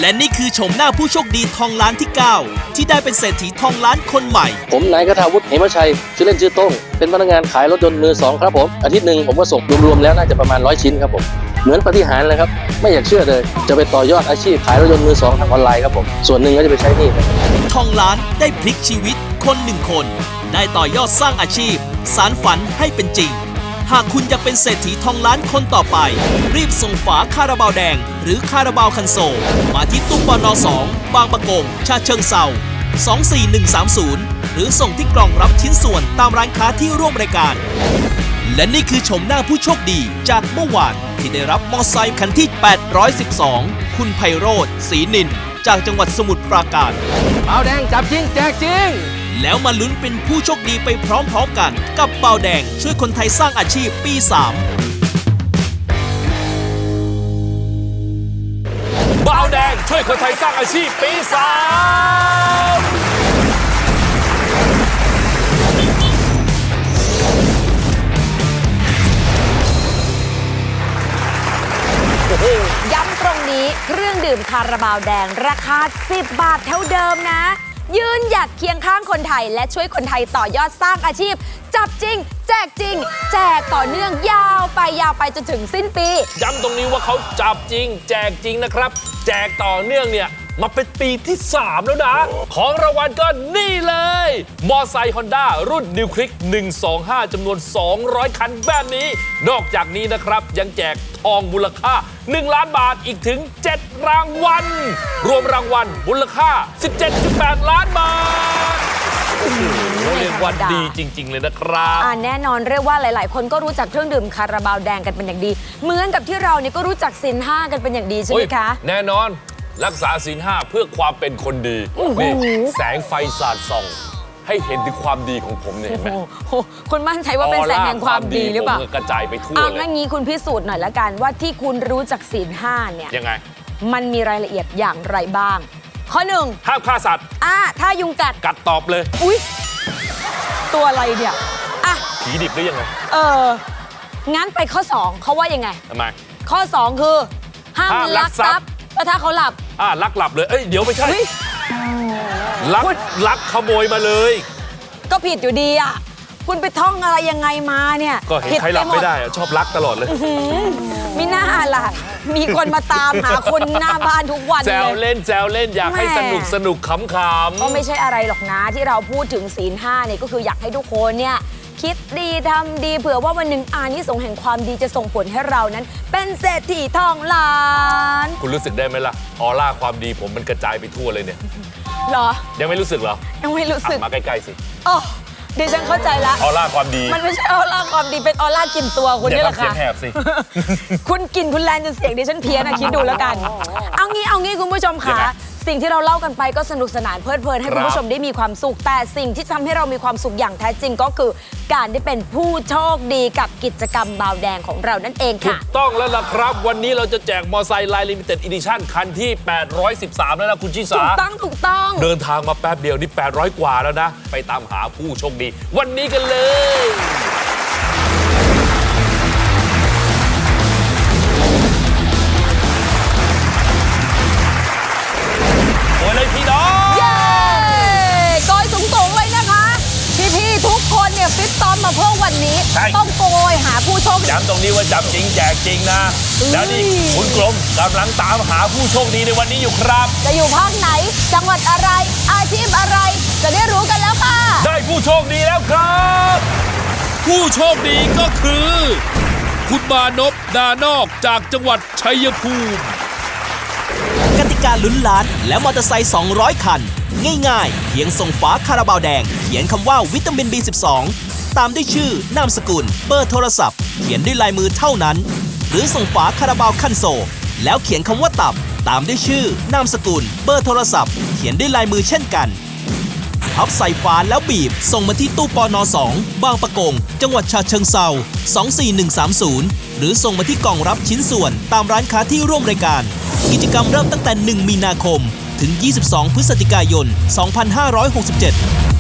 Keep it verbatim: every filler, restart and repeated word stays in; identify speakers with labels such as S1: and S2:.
S1: และนี่คือชมหน้าผู้โชคดีทองล้านที่เก้าที่ได้เป็นเศรษฐีทองล้านคนใหม่
S2: ผมนายกทาวุฒิเหมชัยชื่อเล่นชื่อโต้งเป็นพนักงานขายรถยนต์มือสองครับผมอาทิตย์หนึ่งผมก็ส่งรวมๆแล้วน่าจะประมาณร้อยชิ้นครับผมเหมือนปาฏิหาริย์เลยครับไม่อยากเชื่อเลยจะไปต่อยอดอาชีพขายรถยนต์มือสองทางออนไลน์ครับผมส่วนหนึ่งก็จะไปใช้หนี้ครับ
S1: ทองล้านได้พลิกชีวิตคนหนึ่งคนได้ต่อยอดสร้างอาชีพสานฝันให้เป็นจริงหากคุณอยากเป็นเศรษฐีทองล้านคนต่อไปรีบส่งฝาคาราบาวแดงหรือคาราบาวคันโซลมาที่ตู้ปนสองบางประกงฉะเชิงเทราสองสี่หนึ่งสามศูนย์หรือส่งที่กล่องรับชิ้นส่วนตามร้านค้าที่ร่วมรายการและนี่คือชมหน้าผู้โชคดีจากเมื่อวานที่ได้รับมอไซค์คันที่แปดร้อยสิบสองคุณไพโรจน์ศรีนินจากจังหวัดสมุทรปราการ
S3: เบาแดงจับจริงแจกจริง
S1: แล้วมาลุ้นเป็นผู้โชคดีไปพร้อมๆกันกับเบาแดงช่วยคนไทยสร้างอาชีพปีสาม
S4: เบาแดงช่วยคนไทยสร้างอาชีพปีสาม
S5: ย้ำตรงนี้เครื่องดื่มคาราบาวแดงราคาสิบบาทเท่าเดิมนะยืนหยัดเคียงข้างคนไทยและช่วยคนไทยต่อยอดสร้างอาชีพจับจริงแจกจริงแจกต่อเนื่องยาวไปยาวไปจนถึงสิ้นปี
S4: ย้ำตรงนี้ว่าเขาจับจริงแจกจริงนะครับแจกต่อเนื่องเนี่ยมาเป็นปีที่สามแล้วนะของรางวัลก็นี่เลยมอไซค์ฮอนด้ารุ่นนิวคลิกหนึ่งสองห้าจำนวนสองร้อยคันแบบนี้นอกจากนี้นะครับยังแจกทองมูลค่าหนึ่งล้านบาทอีกถึงเจ็ดรางวัลรวมรางวัลมูลค่า สิบเจ็ดจุดแปด ล้านบาทโอ้โหเรียกว่าดีจริงๆเลยนะครับ
S5: อ่าแน่นอนเรียกว่าหลายๆคนก็รู้จักเครื่องดื่มคาราบาวแดงกันเป็นอย่างดีเหมือนกับที่เราเนี่ยก็รู้จักศีลห้ากันเป็นอย่างดีใช่ไหมคะ
S4: แน่นอนรักษาศีลห้าเพื่อความเป็นคนดีนี่แสงไฟสาดส่องให้เห็นถึงความดีของผมเนี่ยเห็นไหม
S5: คุณมั่นใจว่าเป็นแสงแห่งความดีหรือเปล่า
S4: ผมกระจายไปทั่วเลย
S5: เอางั้นงี้คุณพิสูจน์หน่อยละกันว่าที่คุณรู้จักศีลห้าเนี่ย
S4: ยังไง
S5: มันมีรายละเอียดอย่างไรบ้างข้อหนึ่ง
S4: ห้ามฆ่าสัตว์
S5: อ่าถ้ายุงกัด
S4: กัดตอบเลย
S5: อุ๊ยตัวอะไรเนี่ยอ่ะ
S4: ผีดิบหรือยังไง
S5: เอองั้นไปข้อสองเขาว่ายังไง
S4: ทำไม
S5: ข้อสองคือห้ามลักทรัพย์แล้วถ้าเขาหลับ
S4: อ่าลักหลับเลยเอ้ยเดี๋ยวไม่ใช่ลักลักขโมยมาเลย
S5: ก็ผิดอยู่ดีอ่ะคุณไปท่องอะไรยังไงมาเนี่ย
S4: ก็เห็นใครหลับไม่ได้ชอบลักตลอดเลย
S5: มิน่าล่ะมีคนมาตามหาคุณหน้าบ้านทุกวันเลย
S4: แซวเล่นแซวเล่นอยากให้สนุกสนุกขำๆ
S5: ก็ไม่ใช่อะไรหรอกนะที่เราพูดถึงศีลห้าเนี่ยก็คืออยากให้ทุกคนเนี่ยคิดดีทำดีเผื่อว่าวันหนึ่งอานิสงส์แห่งความดีจะส่งผลให้เรานั้นเป็นเศรษฐีทองล้าน
S4: คุณรู้สึกได้ไหมล่ะออร่าความดีผมมันกระจายไปทั่วเลยเนี่ย
S5: หรอ
S4: ยังไม่รู้สึกเหรอ
S5: ยังไม่รู้สึก
S4: มาใกล้ๆสิ
S5: อ๋อดิฉันเข้าใจละ
S4: ออร่าความดี
S5: มันไม่ใช่ออร่าความดีเป็นออร่ากลิ่นตัวคุณนี่แหละค่ะ
S4: เสียงแหบสิ
S5: คุณกลิ่นคุณแรงจนเสียงดิฉันเพี้ยนนะคิดดูแล้วกันเอางี้เอางี้คุณผู้ชมค่ะสิ่งที่เราเล่ากันไปก็สนุกสนานเพลิดเพลินให้คุณผู้ชมได้มีความสุขแต่สิ่งที่ทำให้เรามีความสุขอย่างแท้จริงก็คือการได้เป็นผู้โชคดีกับกิจกรรมบาวแดงของเรานั่นเองค่ะ
S4: ถูกต้องแล้วล่ะครับวันนี้เราจะแจกมอไซค์ไลน์ลิมิเต็ดอีดิชั่นคันที่แปดร้อยสิบสามแล้วนะคุณชิสา
S5: ถูกต้องถูกต้อง
S4: เดินทางมาแป๊บเดียวนี่แปดร้อยกว่าแล้วนะไปตามหาผู้โชคดีวันนี้กันเลยโอ้ยเลยพี่น้อง
S5: เย้โกยสูงๆเลยนะคะพี่ๆทุกคนเนี่ยฟิตซ้อมมาเพื่อวันนี้ต้องโกยหาผู้โชคดี
S4: ย้ำตรงนี้ว่าจับจริงแจกจริงนะแล้วนี่คุณกรมกำลังตามหาผู้โชคดีในวันนี้อยู่ครับ
S5: จะอยู่ภาคไหนจังหวัดอะไรอาชีพอะไรจะได้รู้กันแล้วค่ะ
S4: ได้ผู้โชคดีแล้วครับผู้โชคดีก็คือคุณมานพดานอกจากจังหวัดชัยภูมิ
S1: กติกาลุ้นล้านและมอเตอร์ไซค์สองร้อยคันง่ายๆเพียงส่งฝาคาราบาวแดงเขียนคำว่าวิตามิน บี สิบสอง ตามด้วยชื่อนามสกุลเบอร์โทรศัพท์เขียนด้วยลายมือเท่านั้นหรือส่งฝาคาราบาวคันโซลแล้วเขียนคำว่าตับตามด้วยชื่อนามสกุลเบอร์โทรศัพท์เขียนด้วยลายมือเช่นกันพับใส่ฝาแล้วบีบส่งมาที่ตู้ปนสองบางประกงจังหวัดฉะเชิงเทราสองสี่หนึ่งสามศูนย์หรือส่งมาที่กล่องรับชิ้นส่วนตามร้านค้าที่ร่วมรายการกิจกรรมเริ่มตั้งแต่หนึ่งมีนาคมถึงยี่สิบสองพฤศจิกายนสองพันห้าร้อยหกสิบเจ็ด